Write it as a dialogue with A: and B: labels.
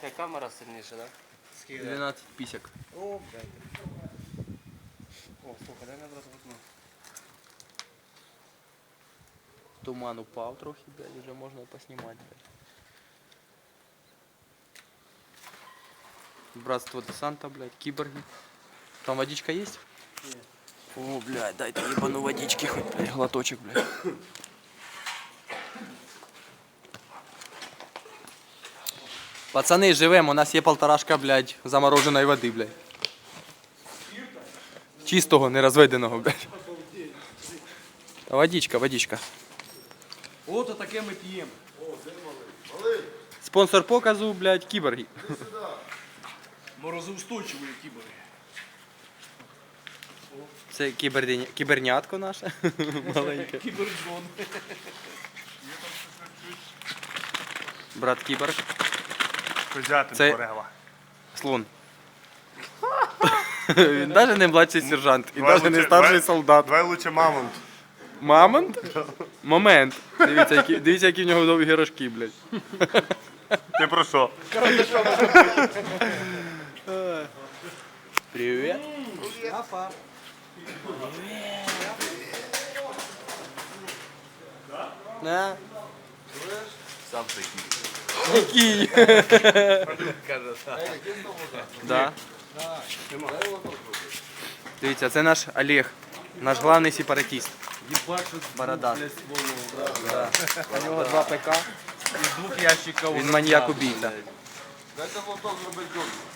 A: Яка камера сильніша, так? Да?
B: 12 пісяк.
A: О, блядь. О, слухай, дай одразу вікно.
B: Туман упав трохи, блядь, вже можна поснімати, блядь. Братство десанта, блядь, киборги. Там водичка есть?
A: Нет.
B: О, блядь, дай-то ебану водички хоть, блядь, глоточек, блядь. Пацаны, живем, у нас є полторашка, блядь, замороженої води, блядь. Чистого, не розведеного, блядь. Та водичка, водичка.
C: Ото таке ми п'ємо.
B: Спонсор показу, блядь, кіборги.
C: Морозоустойчиві кібери.
B: Це кібернятко наше. Маленьке.
C: Кіберджон.
B: Брат кіборг.
D: Козятин
B: Це-
D: Форела.
B: Слон. Він навіть не младший сержант, і навіть не старший солдат.
D: Давай лучше мамонт.
B: Мамонт? Момент. Дивіться, які в нього довгі рожки, блядь.
D: Ти про що?
B: Привіт. На.
C: Сам такий.
B: Який?
C: Каже, так.
B: Да. Дивіться, це наш Олег, наш главний сепаратист. Борода. Да. У нього 2 ПК.
C: Із 2 ящиків.
B: Він маньяк убійця.
E: Дайте лоток зробити добре.